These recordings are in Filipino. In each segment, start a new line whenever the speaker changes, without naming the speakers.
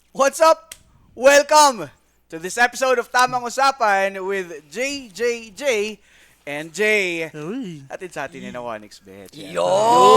What's up? Welcome to this episode of Tamang Usapan with JJJ and Jay.
Uy.
Atin sa atin ni na 1xBet.
Yo!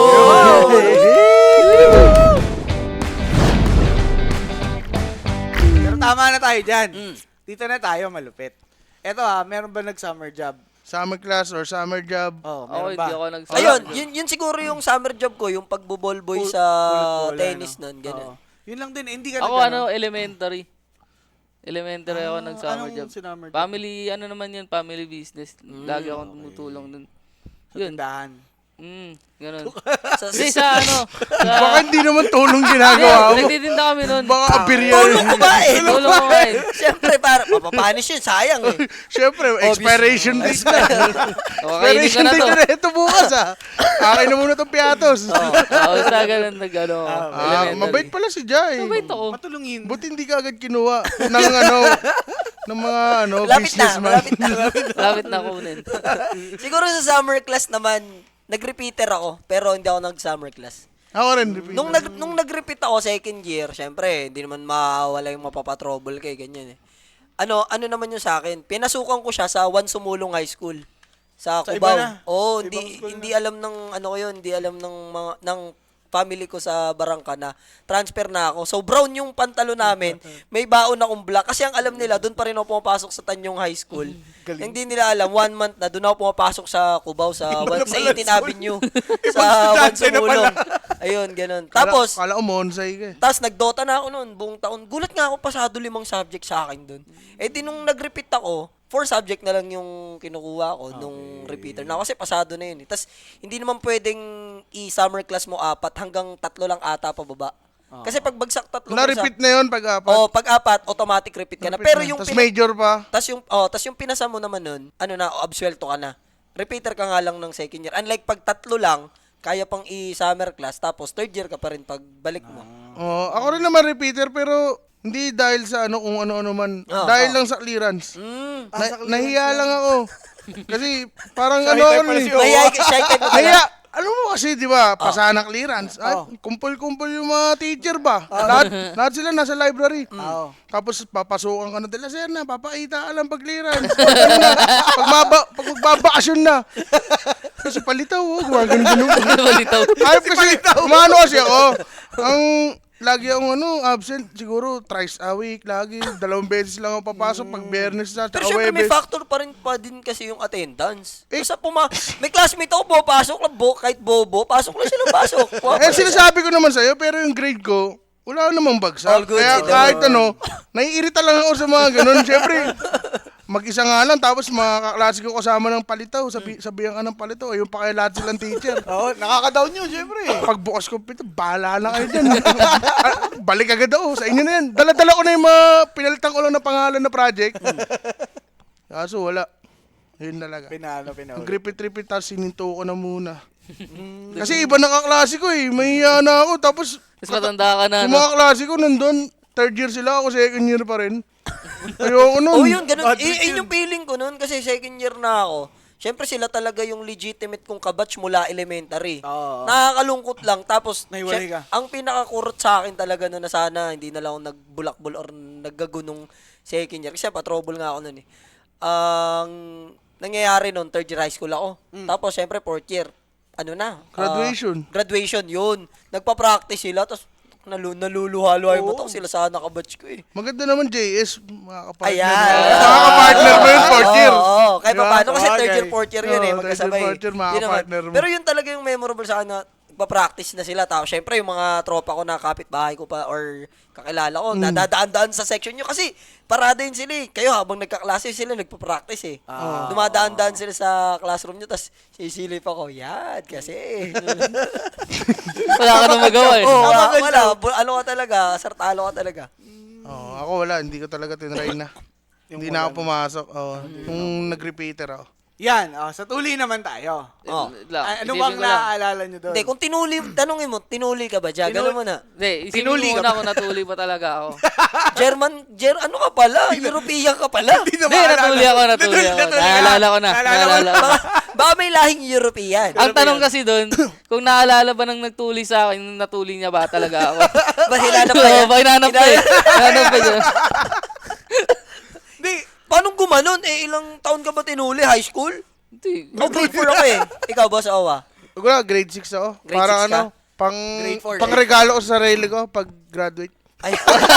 Pero tama na tayo dyan. Dito na tayo, malupit. Eto meron ba nag-summer job?
Summer class or summer job.
Oh,
Ako,
meron ba?
hindi ako nag
Ayun, yun siguro yung summer job ko, yung pagbo-ballboy sa
Pulot-pulot,
tennis
ano?
nun, ganun.
Oo. Yun lang din, hindi ka
Ako
nag-
elementary. Elementary ako nag-summer
anong
job.
sinummer job?
Family, naman yun, family business. Lagi akong tumutulong dun.
Sa
Yun.
tindahan.
Ganun.
Sa,
Kasi sa
Baka hindi naman tulong ginagawa mo.
nagtitinda kami nun.
Baka abirya
tulong ko ba eh?
Tulong ko nga eh.
Siyempre, para mapapanish yun, sayang eh.
Siyempre, expiration date na.
O, kainin ko
Expiration
na
date
to.
na ito bukas Akin na muna itong piatos.
Basta ganun
Mabait pala si Jai.
Mabait ako.
Matulungin.
Buti hindi ka agad kinuha ng mga
Malapit na,
businessman.
malapit na.
Lapit na kunin.
Siguro sa summer class naman, nag-repeater ako, pero hindi ako nag-summer class.
Ako rin. repeat.
Nung nag-repeat ako second year, syempre, hindi naman mawala yung mapapatrouble kay ganyan eh. Ano naman yung sa akin? Pinasukan ko siya sa Juan Sumulong High School sa
Sa
Cubao.
iba na.
Oo,
Sa ibang school
hindi alam ng ano ko yun, hindi alam ng mga ng family ko sa Barangka na transfer na ako. So brown yung pantalo namin, may baon akong black kasi ang alam nila doon pa rin ako pumapasok sa Tanyong High School. Hindi nila alam 1 month na doon ako pumapasok sa Cubao sa 18 Avenue sa Juan
estudyante na
Sumulong. Ayun, ganun. Tapos
Kala ko Monsay ka eh.
tapos nagdota na ako noon, buong taon. Gulat nga ako pasado 5 subject sa akin doon. Eh di nung nag-repeat ako, 4 subject na lang yung kinukuha ko nung repeater na kasi pasado na yun. Tapos hindi naman pwedeng i-summer class mo 4 hanggang 3 lang ata pababa. Kasi pag bagsak 3
Na-repeat na yun pag-apat.
Oh, pag 4 automatic repeat ka na. Pero yung
Tapos major pa.
tas yung pinasa mo naman nun, ano na, absuelto ka na. Repeater ka nga lang ng second year. Unlike pag 3 lang, kaya pang i-summer class tapos third year ka pa rin pag balik mo.
Ako rin naman repeater pero hindi dahil sa kung ano-ano man. Dahil lang sa clearance. Nahiya lang ako. Kasi parang
Shy
ano
type
ako
pala
eh.
si
Shy type mo
Kaya,
pala.
alam mo kasi, di ba, pasana clearance. Kumpul-kumpul yung mga teacher ba? Lahat sila nasa library. Tapos papasukan ka na nila, sir na, papakita ka lang pag clearance. Pag magbabakasyon na. Kasi palitaw, gumagano-gano.
Balitaw.
Ayop kasi, umano kasi ako. Lagi akong absent, siguro thrice a week, lagi. 2 beses lang ako papasok pag Biyernes na,
Pero
tsaka
syempre may
Webes.
factor pa rin pa din kasi yung attendance. Basta may classmate ako, pumapasok lang, kahit bobo, pasok lang sila pasok.
Sinasabi ko naman sa'yo, pero yung grade ko, wala namang bagsak.
All good,
Kaya
ito.
kahit naiirita lang ako sa mga ganun. Siyempre, mag-isa nga lang, tapos mga kaklase ko kasama ng palitaw, sabihan ka ng palitaw, ayun pa kaya lahat silang teacher.
Oo, nakaka-down yun, syempre.
Pagbukas ko pito, bahala na kayo dyan. Balik agad ako, sa inyo na yan. Dala-dala ko na yung mga pinalitan ko lang na pangalan na project. Kaso wala. Yun talaga.
Pinalo.
Nag-repeat-repeat, tapos sininto ko na muna. Kasi iba na kaklase ko eh, mahiya na ako, tapos
Mas matanda ka na,
yung mga klase ko nandun, third year sila, ako second year pa rin. Ayoko nun.
Oh, yun, ganun. Yun yung feeling ko nun kasi second year na ako. Syempre sila talaga yung legitimate kong kabatch mula elementary.
Oo.
Nakakalungkot lang. Tapos,
Nahiwalay ka.
ang pinakakurot sa akin talaga nun na sana hindi na lang ako nagbulakbol or naggagunong second year. Kasi pa-trouble nga ako nun eh. Ang nangyayari nun, third year high school ako. Tapos, syempre, fourth year. Graduation, yun. Nagpa-practice sila, tapos naluluha-luha yung mata ko sila sa nakabatch ko eh.
Maganda naman JS, makakapartner.
Ayan.
Makakapartner mo yun, fourth year.
Oo, kahit pa paano kasi
Sabagay.
third year, fourth year yun
Oo,
eh,
third
magkasabay.
year, fourth year,
Yun naman.
makaka-partner mo.
Pero yun talaga yung memorable sa akin na pa-practice na sila. Tapos syempre yung mga tropa ko na kapitbahay ko pa or kakilala ko, nadadaan-daan sa section nyo kasi parada yun sila eh. Kayo habang nagkaklase sila, nagpa-practice eh. Dumadaan-daan sila sa classroom nyo, tapos sisilip ako, yan kasi.
Wala ka nang magawa eh.
Wala. Ano ka talaga, sartalo ka talaga.
Ako wala, hindi ko talaga tinry na. Hindi na ako pumasok. Nung nag-repeater ako.
Yan, sa tuli naman tayo.
Oh.
Ano bang naaalala nyo doon?
Hindi, kung tanungin mo, tinuli ka ba? Gano'n mo na.
Hindi,
Tinuli
isipin mo
ka
muna kung natuli ba talaga ako.
Ano ka pala? European ka pala.
Hindi
Hindi, natuli ako. Naalala ko na.
Baka may lahing European.
Ang tanong kasi doon, kung naalala ba nang nagtuli sa akin, nung natuli niya ba talaga ako?
Ba hinanap pa niya?
Oo, ba hinanap pa eh. Hinanap pa niya.
Hindi,
Paano gumanon? Ilang taon ka ba tinuli? High school?
Hindi.
Oh, grade 4 ako eh. Ikaw, boss, Owa?
Wala, grade 6 ako.
Grade
Parang
6 ka?
Grade 4
pang regalo ko sa sarili ko pag graduate.
Ay,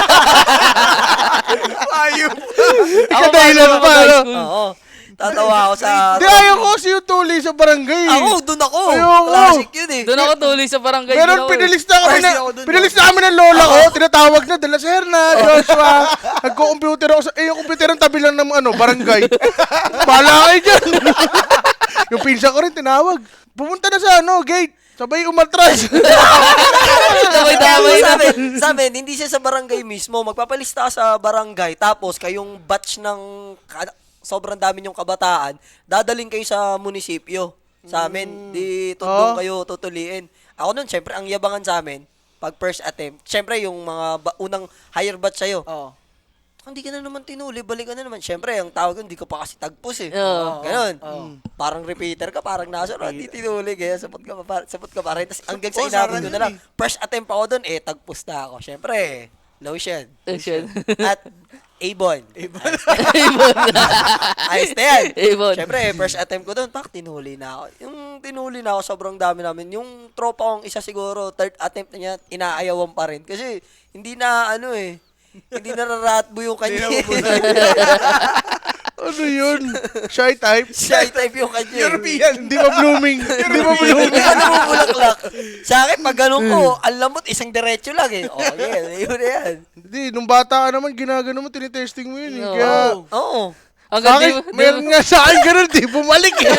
ayun.
Ikaw dahilan pa, ano?
oo. Tatawa ako sa...
Di ayaw ko kasi yung tuli sa barangay.
Ako, dun ako.
Ayoko.
Classic yun eh.
Doon ako tuli sa barangay.
Pero
din ako eh.
pinilista kami
First ako dun,
pinalis na kami ng lola ko, tinatawag na, dala si Herna, Joshua, nagko-computer ako yung computer ang tabi lang ng barangay. Bahala kayo dyan. Yung pinsa ko rin tinawag. Pumunta na sa gate. Sabay umatras.
Damay-damay na.
Sa amin, hindi siya sa barangay mismo. Magpapalista ka sa barangay, tapos kayong batch ng sobrang dami yung kabataan, dadaling kayo sa munisipyo. Sa amin, di doon kayo tutuliin. Ako nun, syempre, ang yabangan sa amin, pag first attempt, syempre, yung mga unang higher batch sa'yo,
Oo.
hindi ka na naman tinuli, balik ka na naman. Syempre, ang tawag yun, hindi ka pa kasi tagpos eh.
Oo.
Ganon. Parang repeater ka, parang nasa, hindi tinuli, kaya sapot ka pa rin. Tapos hanggang sa inabot ko na lang, first attempt ako doon, tagpos na ako. Syempre, lotion.
Action.
At Avon.
Ibon.
Ayos na yan.
Avon.
Syempre, first attempt ko doon, tinuli na ako. Yung tinuli na ako, sobrang dami namin. Yung tropa kong isa siguro, third attempt na niya, inaayawan pa rin. Kasi, hindi na, hindi nararatbo yung kanya.
Ano yun? Shy type?
Shy type yung kanya.
European.
Hindi pa blooming. Hindi pa blooming.
Hindi ka namumulaklak. Sa akin, pag ganun ko, ang lambot, isang diretso lang eh. Oh, yan. Yun na yan.
Hindi, nung bata ka naman, ginagano mo, tinitesting mo yun.
Oo.
Kaya,
Oo.
Ang
sa akin, meron nga sa akin ganun, di bumalik eh.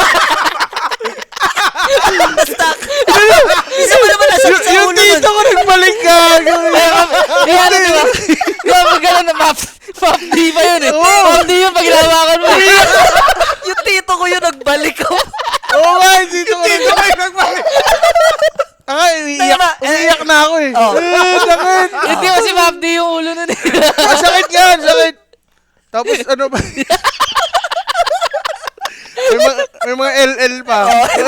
Stuck. Isa pa naman nasa sa
Yung
ulo nun.
tito ko nagbalik ka.
Kaya ano diba? Kaya pag gano'n na Map D pa yun eh. Map D yun pag hinawakan mo.
Yung tito ko yun, nagbalik ako.
Oo nga, yung tito ko nagbalik. Umiiyak na ako eh.
Oh.
Sakit.
Hindi kasi Map D yung ulo nun eh.
Sakit yan, sakit. Tapos ano ba? may mga LL pa.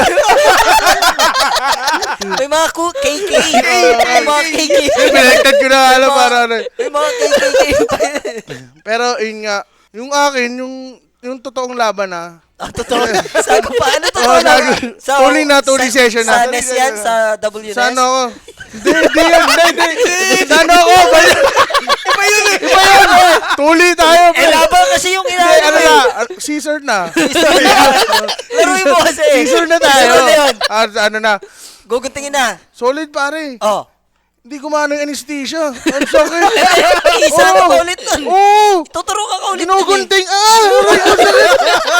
May mga KK. May mga KK.
Pinagtad ko na alam para ano.
May mga KK pa.
Pero yun nga, yung akin, yung totoong laban
Totoo. Sago pa. Ano to?
Oh, tuloy na, tuloy session na.
Sa NES yan, sa WNES.
Sa ano ako? Hindi. Sa ano ako? Iba yun. Tuloy tayo.
Laban kasi yung
Ano
inaano
na?
eh.
Caesar na.
Laruin mo kasi.
Caesar na tayo.
Caesar na yun.
Ano na?
Guguntingin na.
Solid pare.
Oh.
Hindi kumano yung anesthesia. Ang sakit.
Isa
Oo.
ka ulit nun.
Oo.
Tuturo ka ulit.
Ginugunting. Aray ko sakit.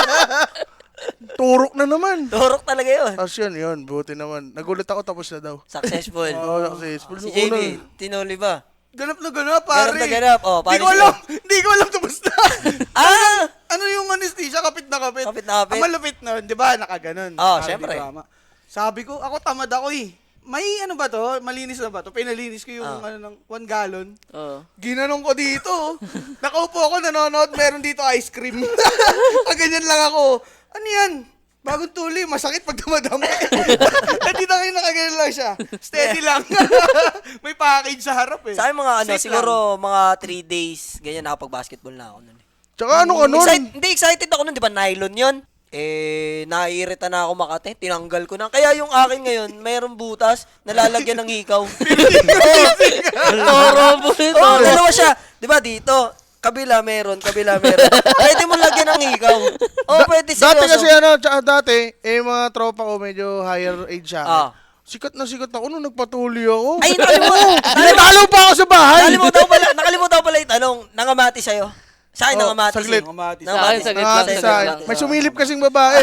Turok na naman.
Turok talaga yun.
Tapos yun. Buti naman. Nagulat ako tapos na daw.
Successful.
Oo, successful.
Si
Nung una,
JB, tinuli ba?
Ganap na ganap, pare.
Ganap na ganap. Oh,
Hindi
paano
ko
siya?
alam. Hindi ko alam tapos na.
Ah!
Ano yung anesthesia? Kapit na kapit.
Kapit na kapit.
Ang malupit nun, di ba? Nakaganon.
Oh,
Parang
syempre.
di drama. Sabi ko, ako tamad ako eh. May ano ba to? Malinis na ba to? Pinalinis ko yung ng 1 gallon.
Oo.
Ginanong ko dito. Nakaupo ako, nanonood. Meron dito ice cream. Ganyan lang ako. Ano yan? Bagong tuli, masakit pag dumadami. Dito kayo nakaganyan lang siya. Steady lang. May package sa harap eh.
Sa akin mga
Safe
siguro mga 3 days, ganyan nakapag-basketball na ako nun.
Tsaka ano ka nun?
Excited ako nun, di ba nylon yun? Naiirita na ako Makati, tinanggal ko na. Kaya yung akin ngayon, mayroong butas, nalalagyan ng hikaw.
Toro po ito.
Oo, dalawa siya. Di ba dito? Kabila meron. Pwede mo lagyan ng hikaw. Oo, pwede seryoso.
Dati kasi tsaka dati, mga tropa ko medyo higher age siya.
Ah.
Sikat na sikat ako nung nagpatuli ako.
Ay, nakalimutan.
Natalo pa ako sa bahay.
Nakalimutan ko pala itanong, nangamati sa'yo? Sa akin, nangamati.
saglit.
Nangamati.
Sa akin, saglit lang.
Nakakita
Saglit
sa
lang.
may sumilip kasing babae.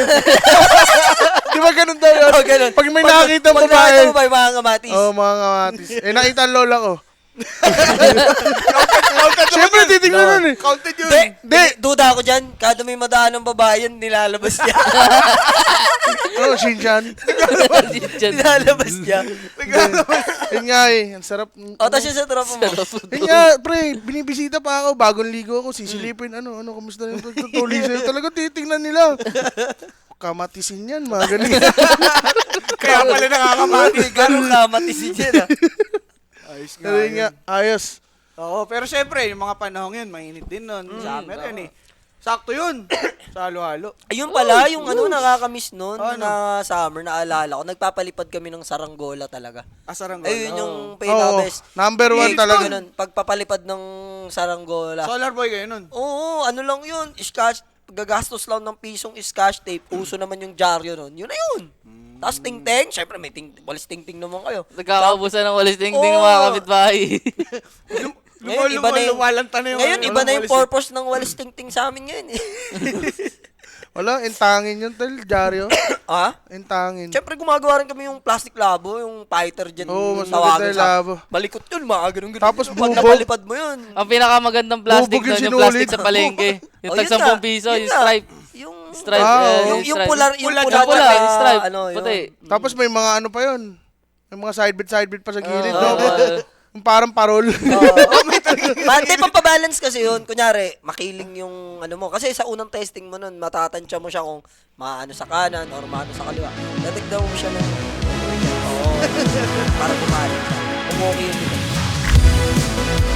Di ba ganun daw yun?
Oh, ganun.
Pag may nakakita
Pag
babae.
nakita mo ba yung mga ngamatis?
Oo, mga kamatis. Nakita ang lola ko. Siyempre, titignan nun eh.
Counted yun.
Hindi, duda ako dyan. Kada may madaan ng babae yan, nilalabas niya.
Ano, Shinchan?
nilalabas niya.
Yun nga eh, ang sarap.
O, tapos yung sa tropa mo.
Yun nga, pre, binibisita pa ako, bagong ligo ako, sisilipin, ano, kamusta yung tutuloy sa'yo? Talaga titignan nila. Kamatisin yan, mga ganun.
Kaya pala nakakamati.
Ganun kamatisin yan, ah.
Ayos nga
Pero yun nga, ayos.
Oo, pero syempre, yung mga panahon yun, mainit din nun. Summer yun eh. Sakto yun. Sa halo-halo.
Ayun pala, yung ano, nakakamiss nun
Ano?
na summer, naalala ko. Nagpapalipad kami ng saranggola talaga.
Asaranggola.
Ayun yung
Oo,
pinaka-best.
number one
Eh,
talaga.
ganun, pagpapalipad ng saranggola.
Solar boy kayo nun.
Oo, ano lang yun, scotch, gagastos lang ng pisong scotch tape. Uso naman yung dyaryo nun. Yun na yun. Tapos ting-ting, syempre may walis ting-ting naman kayo.
Nagkakaubusan ng walis ting-ting ng
Oo.
mga kapitbahay.
Ngayon, iba na yung,
lumalanta na yung...
ngayon, iba na yung
walis-
purpose ng walis ting-ting sa amin ngayon. Eh.
Wala, intangin yun, tal, Jaryo.
Ha?
Intangin.
Siyempre gumagawa rin kami yung plastic labo, yung fighter dyan.
Oo, mas
tawagin
maganda yung
sa-
labo.
Balikot yun, mga ganun-ganun.
Tapos
Pag
bubog.
napalipad mo yun.
Ang pinakamagandang plastic
Bubog yung
doon, yung plastic
sinulid.
sa palengke. Yung
Oh,
tag
yun
10
na.
piso,
Yun
yung
na.
stripe.
Yung
Stripe.
Ah,
yung
stripe.
pula, yung
Pula,
pula,
Pula, yung stripe.
ano, yun.
Puti.
Tapos may mga ano pa yun. May mga side-bit pa sa gilid.
Oo,
no? Yung parang parol.
Hindi, pampabalance kasi yun. Kunyari, makiling yung ano mo. Kasi sa unang testing mo nun, matatansya mo siya kung maano sa kanan or maano sa kaliwa. Dadigdaw mo siya ng... Oo. Para bumaling siya. Kung okay yun.